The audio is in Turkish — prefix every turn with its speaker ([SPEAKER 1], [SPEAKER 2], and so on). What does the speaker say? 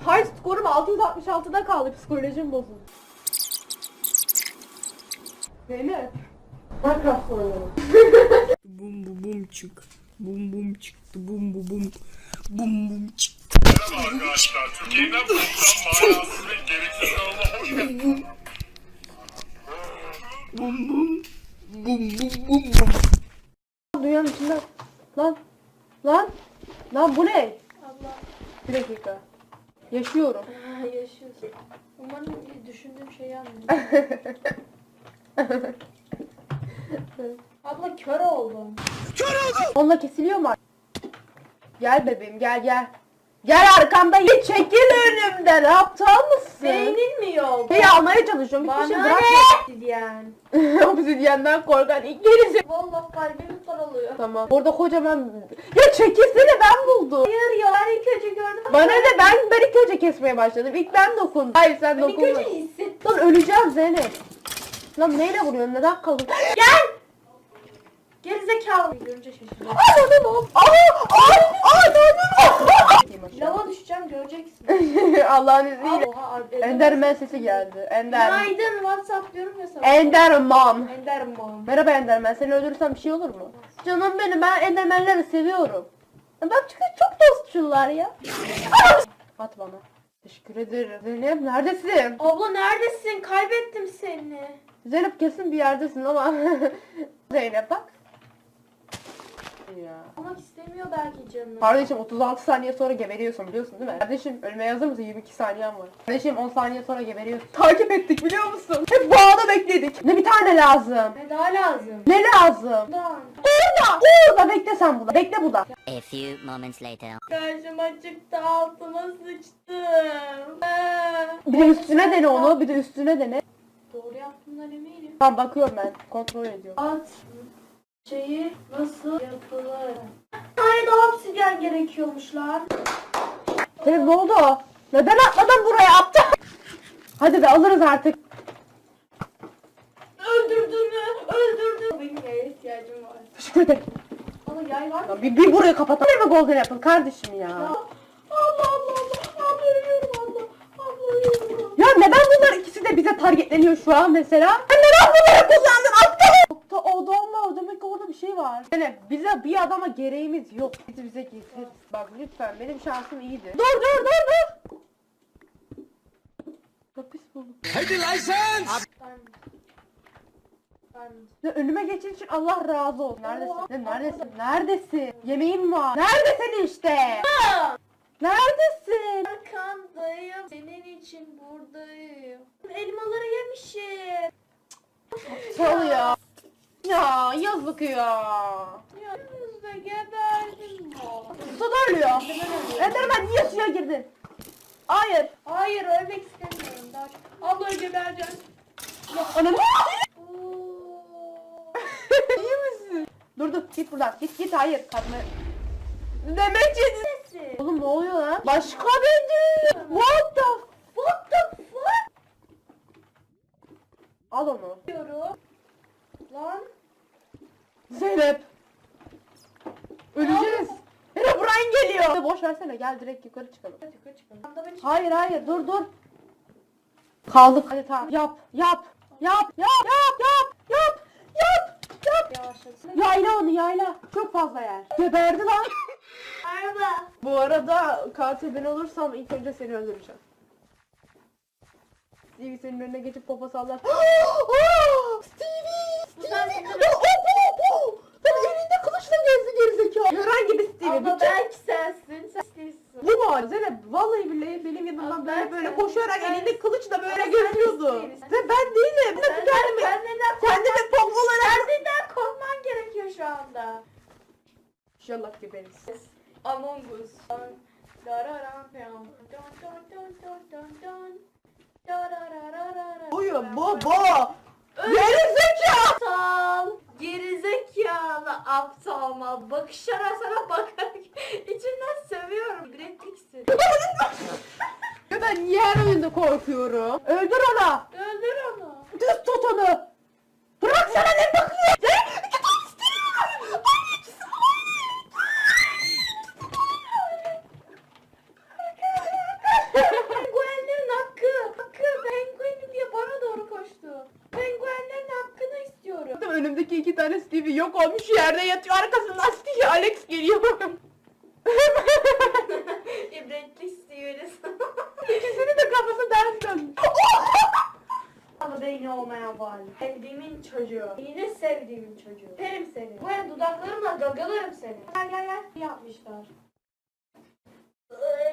[SPEAKER 1] High skorum 666'da kaldı. Psikolojim bozuldu. Zeynep. Minecraft oynuyorum.
[SPEAKER 2] Bum bu bum çık. Bum bum çıktı. Bum bu bum. Bum bum çıktı.
[SPEAKER 3] Merhaba arkadaşlar. Türkiye'den buluşan manasız ve gereksiz kanalına hoş geldiniz.
[SPEAKER 2] Bum bum. Bum bum bum bum.
[SPEAKER 1] Dünyanın içinde. Lan. Lan. Lan bu ne?
[SPEAKER 4] Allah.
[SPEAKER 1] Bir dakika. Yaşıyorum.
[SPEAKER 4] Yaşıyorsun. Umarım düşündüğüm şeyi anlıyorsun. Abla kör oldum.
[SPEAKER 1] Onunla kesiliyor mu? Gel bebeğim gel gel. Gel arkamda hiç çekil önümden. Aptal mısın?
[SPEAKER 4] Beynin mi yok?
[SPEAKER 1] Şeyi almaya çalışıyorum. Hiçbir şey
[SPEAKER 4] Bana
[SPEAKER 1] bırakma.
[SPEAKER 4] ne? Yani.
[SPEAKER 1] Obsidiyenden korkan ilk gerisi.
[SPEAKER 4] Vallahi kalbim daralıyor.
[SPEAKER 1] Tamam. Orada kocaman... Ya çekilsene ben buldum.
[SPEAKER 4] Hayır ya ben ilk önce gördüm.
[SPEAKER 1] Bana ne ben ilk önce kesmeye başladım. İlk ben dokundum. Hayır sen
[SPEAKER 4] Ben ilk
[SPEAKER 1] dokunma.
[SPEAKER 4] önce hissettim.
[SPEAKER 1] Lan öleceğim Zeynep. Lan neyle vuruyorsun? Neden kaldın?
[SPEAKER 4] Gel! Gerizekalı. Görünce şaşırdım. Lava düşeceğim göreceksin.
[SPEAKER 1] Allah'ın izniyle.
[SPEAKER 4] Oha.
[SPEAKER 1] Enderman sesi geldi.
[SPEAKER 4] Günaydın WhatsApp diyorum ya sana.
[SPEAKER 1] Enderman.
[SPEAKER 4] Enderman.
[SPEAKER 1] Merhaba Enderman. Seni öldürürsem bir şey olur mu? Canım benim ben Enderman'leri seviyorum. Bak çünkü çok dostçular ya. At bana. Teşekkür ederim. Zeynep neredesin?
[SPEAKER 4] Abla neredesin? Kaybettim seni.
[SPEAKER 1] Zeynep kesin bir yerdesin ama. Zeynep bak. Ya.
[SPEAKER 4] Olmak istemiyor belki canım.
[SPEAKER 1] Kardeşim 36 saniye sonra geberiyorsun biliyorsun değil mi? Kardeşim ölmeye hazır mısın? 22 saniyen var. Kardeşim 10 saniye sonra geberiyorsun. Takip ettik biliyor musun? Hep bağda bekledik. Ne bir tane lazım?
[SPEAKER 4] Ne daha lazım?
[SPEAKER 1] Ne lazım?
[SPEAKER 4] Daha.
[SPEAKER 1] Orada! Orada bekle sen burada. Bekle burada.
[SPEAKER 5] A few moments later.
[SPEAKER 4] Karşıma çıktı altıma sıçtım.
[SPEAKER 1] Bir de üstüne dene onu. Bir de üstüne dene.
[SPEAKER 4] Doğru yaptığımdan eminim.
[SPEAKER 1] Tamam bakıyorum ben. Kontrol ediyorum.
[SPEAKER 4] At şeyi nasıl yapılır? Bir tane daha obsidyen gerekiyormuş lan.
[SPEAKER 1] Senin ne oldu? Neden atladın buraya aptal? Hadi be alırız artık.
[SPEAKER 4] Öldürdün mü? Öldürdün. Benim yaya ihtiyacım var.
[SPEAKER 1] Teşekkür ederim.
[SPEAKER 4] Ama yay var mı?
[SPEAKER 1] Ya bir burayı kapatalım. Ne mi golden apple kardeşim ya?
[SPEAKER 4] Allah Allah Allah. Abla ölüyorum abla. Abla ölüyorum.
[SPEAKER 1] Ya neden bunlar ikisi de bize targetleniyor şu an mesela? Ben neden bunları kullandım aptal? Adamla demek ki orada bir şey var. Yani bize bir adama gereğimiz yok. Bize getir. Bak lütfen benim şansım iyiydi. Dur. Kapış buldum.
[SPEAKER 4] Ben
[SPEAKER 1] Ya önüme geçin için Allah razı olsun. Neredesin? Ya neredesin? Neredesin? Yemeğim var. Neredesin işte? Neredesin?
[SPEAKER 4] arkandayım. Senin için buradayım. Elmaları yemişim.
[SPEAKER 1] Çal ya. Ya yazık ya.
[SPEAKER 4] Ya yüzde geberdim bu.
[SPEAKER 1] Suda ölüyor. Enderman niye suya girdin? Hayır.
[SPEAKER 4] Hayır ölmek istemiyorum daha çok. Abla gebereceğim.
[SPEAKER 1] Ananı.
[SPEAKER 4] Oo.
[SPEAKER 1] İyi misin? Dur git buradan. Git hayır. Kadını. Demek yedin.
[SPEAKER 4] Nesi?
[SPEAKER 1] Oğlum ne oluyor lan? Başka bedi. What the fuck? Al onu.
[SPEAKER 4] Diyorum. Lan.
[SPEAKER 1] Zeynep. Öleceğiz. Zeynep Brian geliyor. Boş versene gel direkt yukarı çıkalım.
[SPEAKER 4] Hadi yukarı çıkalım. Anda beni
[SPEAKER 1] Hayır dur. Kaldık. Hadi tamam. Yap.
[SPEAKER 4] yavaşlasın.
[SPEAKER 1] Yayla onu yayla. Çok fazla yer. Geberdi lan.
[SPEAKER 4] Merhaba.
[SPEAKER 1] Bu arada katil ben olursam ilk önce seni öldüreceğim. Stevie senin önüne geçip popo sallar. Stevie!
[SPEAKER 4] sen-
[SPEAKER 1] Opo! Sen elinde kılıçla gezdi gerizekalı. Herhangi bir Stevie.
[SPEAKER 4] Abla
[SPEAKER 1] Bütün...
[SPEAKER 4] belki sensin. Sen değilsin.
[SPEAKER 1] Bu mu? Zeynep vallahi billahi benim yanımdan
[SPEAKER 4] Abla,
[SPEAKER 1] böyle
[SPEAKER 4] sen-
[SPEAKER 1] koşarak
[SPEAKER 4] sen-
[SPEAKER 1] elinde kılıçla böyle
[SPEAKER 4] sen
[SPEAKER 1] geziyordu.
[SPEAKER 4] değilsin.
[SPEAKER 1] Ve ben değilim.
[SPEAKER 4] Sen neden
[SPEAKER 1] Kendimi pompalarak.
[SPEAKER 4] Kendinden korkman gerekiyor şu anda.
[SPEAKER 1] İnşallah geberiz.
[SPEAKER 4] Among Us. Dararam pam. Don don don don don don. Dararararara.
[SPEAKER 1] Buyum baba. Gerizekalı.
[SPEAKER 4] Aptal. Gerizekalı aptal mal. Bakışlara sana bakarak içinden sövüyorum. Brad Pitt'sin.
[SPEAKER 1] Ya ben niye her oyunda korkuyorum? Öldür onu.
[SPEAKER 4] Öldür onu.
[SPEAKER 1] Düz tut onu. Bırak sana ne bakıyor? Zeynep iki tane istiyorum. önümdeki 2 tane Stevie yok olmuş yerde yatıyor. Arkasından Stevie Alex geliyor.
[SPEAKER 4] İbretlik istiyoruz.
[SPEAKER 1] İkisinin de kafası ters döndü.
[SPEAKER 4] Ama beyni olmayan var. Sevdiğimin çocuğu. Yine sevdiğimin çocuğu. Derim seni. Bu dudaklarımla gagalarım seni. Gel gel gel. Yapmışlar.